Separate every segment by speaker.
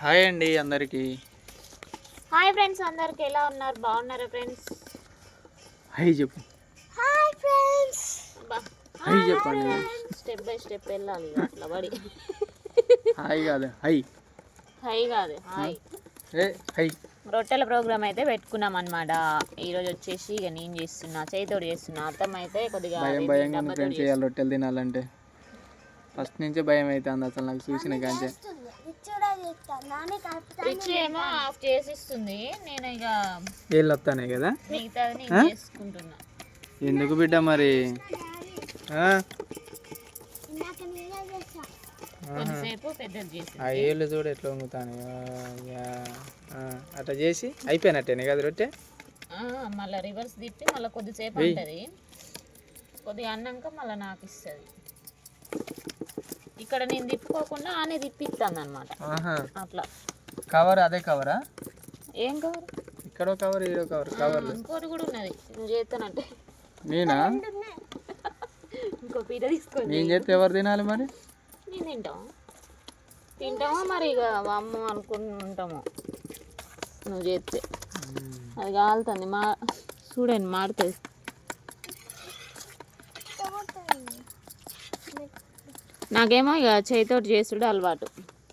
Speaker 1: Hi అండి అందరికి.
Speaker 2: Hi friends, అందరికి ఎలా ఉన్నారు? బాగున్నారా ఫ్రెండ్స్?
Speaker 1: హాయ్ చెప్పు.
Speaker 2: Hi friends.
Speaker 1: హాయ్ చెప్పండి.
Speaker 2: స్టెప్ బై స్టెప్ వెళ్ళాలి అట్లా పడి.
Speaker 1: హాయ్ కాదు హై.
Speaker 2: హై కాదు హాయ్.
Speaker 1: హై.
Speaker 2: రొట్టెల ప్రోగ్రామ్ అయితే పెట్టుకున్నాం అనమాట. ఈరోజు వచ్చేసి ఇక నేను చేస్తున్నా, చేతితోటి చేస్తున్నా. అర్థం అయితే కొద్దిగా
Speaker 1: భయంగా ఫ్రెండ్స్ చేయాలి రొట్టెలు తినాలంటే. ఫస్ట్ నుంచే భయం అవుతుంది అసలు నాకు చూసిన కాంచే.
Speaker 2: రిచ్ ఏమో ఆఫ్ చేసిస్తుంది, నేను ఇక
Speaker 1: వీళ్ళు వస్తానే కదా
Speaker 2: మిగతాది నేను చేసుకుంటున్నా.
Speaker 1: ఎందుకు బిడ్డ మరి?
Speaker 2: కొంతసేపు పెద్దది చేసి
Speaker 1: ఆ ఏళ్ళు చూడు ఎట్లా వంగుతాను. అట్లా చేసి అయిపోయినట్టేనే కదా రొట్టె.
Speaker 2: మళ్ళీ రివర్స్ తిప్పి మళ్ళీ కొద్దిసేపు ఉంటుంది, కొద్దిగా అన్నాక మళ్ళీ నాకు ఇస్తుంది. ఇక్కడ నేను తిప్పుకోకుండా ఆనే తిప్పిస్తాను అనమాట. అట్లా
Speaker 1: కవర్ అదే కవరా?
Speaker 2: ఏం కవర్?
Speaker 1: ఇక్కడ కవర్ ఈడో కవర్. కవర్
Speaker 2: ఇంకోటి కూడా ఉన్నది, నువ్వు చేస్తానంటే.
Speaker 1: నేనా?
Speaker 2: ఇంకో పీట తీసుకోండి.
Speaker 1: నేను చేస్తే ఎవరు తినాలి మరి?
Speaker 2: నేను తింటామో మరి ఇక అమ్మ అనుకుంటాము. నువ్వు చేస్తే అది కాలుతుంది. చూడండి మాడుతుంది. నాకేమో ఇక చేతితోటి చేసుడు అలవాటు.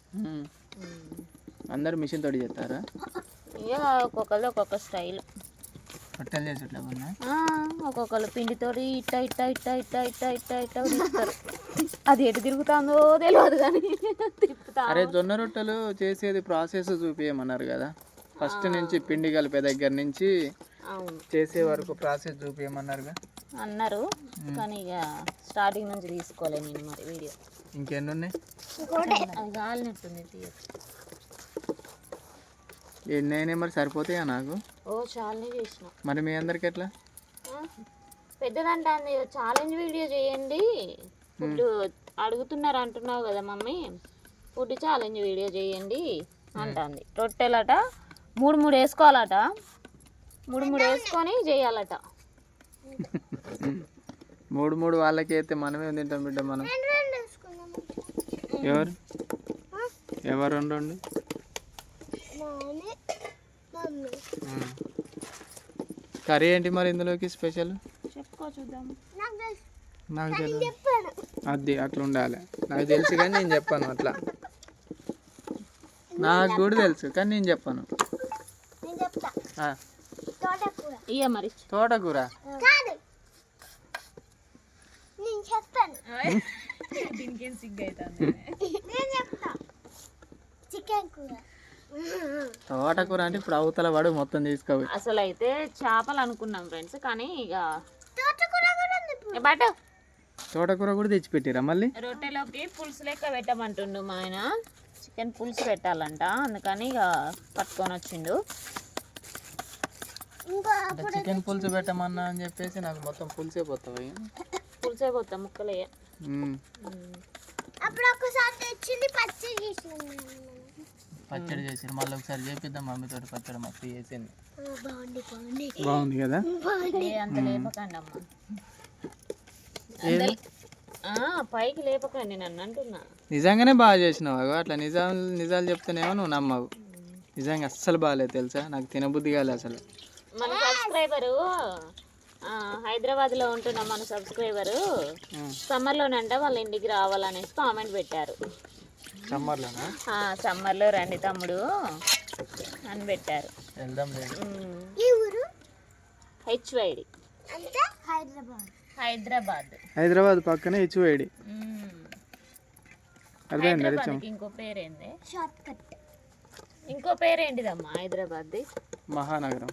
Speaker 1: అందరు మిషన్ తోటి చేస్తారా?
Speaker 2: ఇక ఒక్కొక్కరు ఒక్కొక్క స్టైల్.
Speaker 1: రొట్టెలు చేసేట్లా
Speaker 2: ఒక్కొక్కరు పిండితోటి ఇట్ట ఇట్ట ఇట్ట ఇట్ట ఇట్ట ఇట్ట ఇట్ట తిప్పుతారు. అది ఎటు తిరుగుతుందో తెలియదు కానీ తిప్పుతా.
Speaker 1: అరే జొన్న రొట్టెలు చేసేది ప్రాసెస్ చూపించమన్నారు కదా, ఫస్ట్ నుంచి పిండి కలిపే దగ్గర నుంచి చేసే వరకు ప్రాసెస్ చూపించమన్నారుగా
Speaker 2: అన్నారు. కానీ ఇక స్టార్టింగ్ నుంచి తీసుకోలే నేను మరి వీడియో.
Speaker 1: ఇంకెన్ని ఉన్నాయి?
Speaker 2: అది కాలినట్టుంది తీయచ్చు.
Speaker 1: ఎన్నైనా మరి సరిపోతాయా నాకు?
Speaker 2: ఓ చాలానే చేసిన.
Speaker 1: మరి మీ అందరికి ఎట్లా?
Speaker 2: పెద్దదంటే ఛాలెంజ్ వీడియో చేయండి, ఫుడ్ అడుగుతున్నారు అంటున్నావు కదా మమ్మీ, ఫుడ్ ఛాలెంజ్ వీడియో చేయండి అంటుంది. రొట్టెలట 3 వేసుకోవాలట, 3 వేసుకొని చేయాలట.
Speaker 1: 3 వాళ్ళకి అయితే మనమే తింటాం బిడ్డ. మనం ఎవరు ఎవరు 2 కర్రీ ఏంటి మరి ఇందులోకి స్పెషల్?
Speaker 2: చెప్పుకో చూద్దాం.
Speaker 1: నాకు తెలియదు, అది అట్లా ఉండాలి. నాకు తెలుసు కానీ నేను చెప్పాను అట్లా. నాకు కూడా తెలుసు కానీ నేను చెప్పాను.
Speaker 2: ఇక మరి
Speaker 1: తోటకూర
Speaker 2: దీనికేం సిగ్గు అవుతుంది.
Speaker 1: తోటకూర అంటే ఇప్పుడు అవతల వాడు మొత్తం తీసుకోవాలి.
Speaker 2: అసలు అయితే చేపలు అనుకున్నాం ఫ్రెండ్స్, కానీ ఇక బట్
Speaker 1: తోటకూర కూడా తెచ్చిపెట్టిరా మళ్ళీ.
Speaker 2: రొట్టెలోకి పులుసు లెక్క పెట్టమంటుండు మా ఆయన. చికెన్ పులుసు పెట్టాలంట, అందుకని ఇక పట్టుకొని వచ్చిండు.
Speaker 1: చికెన్ పులుసు పెట్టమన్నా అని చెప్పేసి నాకు మొత్తం పులుసే పోతాయి.
Speaker 2: పులుసే పోతా ముక్కలే.
Speaker 1: పచ్చడి చేసి మళ్ళీ ఒకసారి చేపిద్దాం మమ్మీతో. పచ్చడి మస్తు చేసింది, బాగుంది కదా.
Speaker 2: అంత లేపకండి అమ్మ, పైకి లేపకండి నన్ను అంటున్నా.
Speaker 1: నిజంగానే బాగా చేసినావు. అట్లా నిజాలు చెప్తేనేమో నువ్వు నమ్మవు. నిజంగా అస్సలు బాగాలేదు తెలుసా, నాకు తినబుద్ధి కాలేదు అసలు.
Speaker 2: మన సబ్స్క్రైబరు హైదరాబాద్లో ఉంటున్న మన సబ్స్క్రైబరు సమ్మర్లోనంట వాళ్ళ ఇంటికి రావాలనేసి కామెంట్ పెట్టారు.
Speaker 1: సమ్మర్లోనా?
Speaker 2: సమ్మర్లో రండి తమ్ముడు అని పెట్టారు.
Speaker 1: వెళ్దాం.
Speaker 2: హెచ్వైడి హైదరాబాద్
Speaker 1: పక్కనే హెచ్వైడి.
Speaker 2: ఇంకో పేరేంటిదమ్మా హైదరాబాద్ది?
Speaker 1: మహానగరం.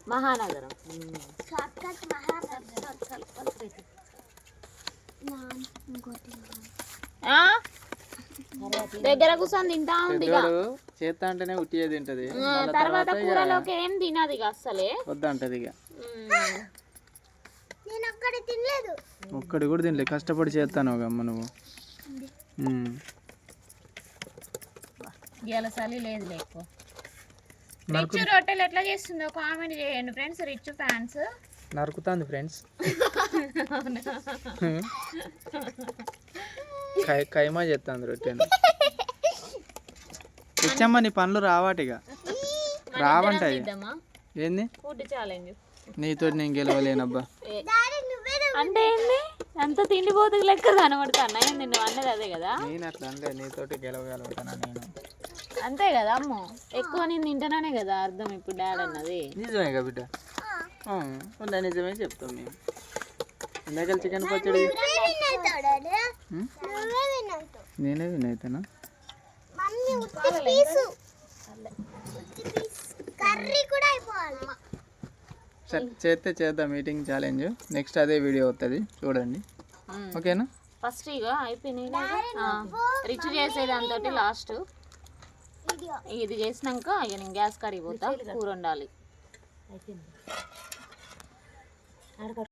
Speaker 2: దగ్గర కూర్చొని తింటా ఉంది.
Speaker 1: చేస్తా అంటేనే ఉట్టియే తింటది,
Speaker 2: తర్వాత కూరలోకి ఏం తినదు అస్సలే.
Speaker 1: వద్దంటది ఇక. ఒక్కడి కూడా తినలేదు, కష్టపడి చేస్తాను అమ్మ నువ్వు.
Speaker 2: ఇవాళ చలి లేదు లేకు. రిచ్ రొట్టెలు ఎట్లా చేస్తుందో కామెంట్ చేయండి ఫ్రెండ్స్. రిచ్ ఫ్యాన్స్
Speaker 1: నరుకుతాంది ఫ్రెండ్స్. కైమా చేస్తాంది రొట్టెను. తెచ్చమ్మ నీ పనులు రావాటిగా రావంటాయి
Speaker 2: ఇద్దామా
Speaker 1: ఏంది
Speaker 2: ఫుడ్ ఛాలెంజ్
Speaker 1: నీతో నేను గెలవలేనబ్బా
Speaker 2: అంటే ఏంది అంత తిండిపోతుంది లెక్క కనబడుతున్నా ఏంది నువ్వు అన్నది అదే కదా
Speaker 1: నేను అట్లా అంటే నీతోటి గెలవగలుగుతానా నేను
Speaker 2: అంతే కదా అమ్మో ఎక్కువ నేను తింటానే కదా అర్థం ఇప్పుడు డాడ్ అన్నది
Speaker 1: నిజమే కదా బిడ్డ ఉందా నిజమే చెప్తాం మేము ఇందాక చికెన్ పచ్చడి నేనే వినవుతానా సరే చేస్తే చేద్దాం మీటింగ్ ఛాలెంజ్ నెక్స్ట్ అదే వీడియో వస్తుంది చూడండి ఓకేనా
Speaker 2: ఫస్ట్ ఇక అయిపోయినాయి రిచ్ చేసేది అంతటి లాస్ట్ ఇది చేసినాక ఇక నేను గ్యాస్ కాడికి పోతా కూర వండాలి